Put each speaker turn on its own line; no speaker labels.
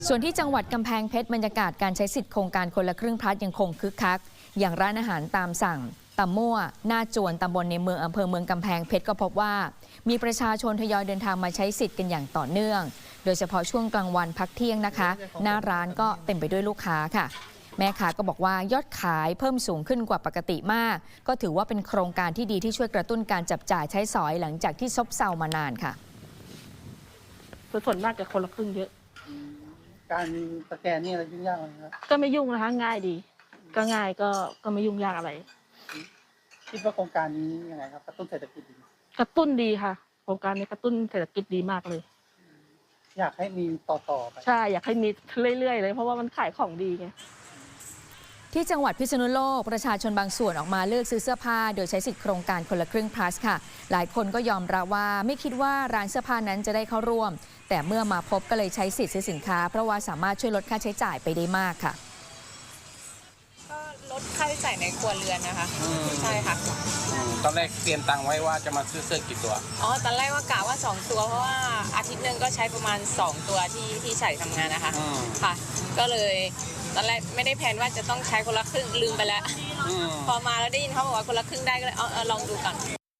ส่วนที่จังหวัดกำแพงเพชรบรรยากาศการใช้สิทธิ์โครงการคนละครึ่งพลัสยังคงคึกคักอย่างร้านอาหารตามสั่งตำมั่วหน้าจวนตำบลในเมืองอำเภอเมืองกำแพงเพชรก็พบว่ามีประชาชนทยอยเดินทางมาใช้สิทธิ์กันอย่างต่อเนื่องโดยเฉพาะช่วงกลางวันพักเที่ยงนะคะหน้าร้านก็เต็มไปด้วยลูกค้าค่ะแม่ค้าก็บอกว่ายอดขายเพิ่มสูงขึ้นกว่าปกติมากก็ถือว่าเป็นโครงการที่ดีที่ช่วยกระตุ้นการจับจ่ายใช้สอยหลังจากที่ซบเซามานานค่ะ
ส่วนมากจะคนละครึ่งเยอะ
การสแกนนี่อะไรยุ่งยากไหมครับ
ก็ไม่ยุ่งนะคะง่ายดีก็ง่ายก็ไม่ยุ่งยากอะไร
คิดว่าโครงการนี้ยังไงครับกระตุ้นเศรษฐกิจดี
กระตุ้นดีค่ะโครงการนี้กระตุ้นเศรษฐกิจดีมากเลย
อยากให้มีต่อไป
ใช่อยากให้มีเรื่อยๆเลยเพราะว่ามันขายของดีไง
ที่จังหวัดพิษณุโลกประชาชนบางส่วนออกมาเลือกซื้อเสื้อผ้าโดยใช้สิทธิโครงการคนละครึ่ง plus ค่ะหลายคนก็ยอมรับว่าไม่คิดว่าร้านเสื้อผ้านั้นจะได้เข้าร่วมแต่เมื่อมาพบก็เลยใช้สิทธิ์ซื้อสินค้าเพราะว่าสามารถช่วยลดค่าใช้จ่ายไปได้มากค่ะ
ก็ลดค่าใช้จ่ายในครัวเรือนนะคะใช่ค่ะ
ตอนแรกเตรียมตังค์ไว้ว่าจะมาซื้อเสื้อกี่ตัว
ตอนแรกว่ากะว่า2ตัวเพราะว่าอาทิตย์หนึ่งก็ใช้ประมาณ2ตัวที่ใส่ทำงานนะคะค่ะก็เลยตอนแรกไม่ได้แผนว่าจะต้องใช้คนละครึ่งลืมไปแล้วพอมาแล้วได้ยินเขาบอกว่าคนละครึ่งได้ก็เลยลองดูก่อน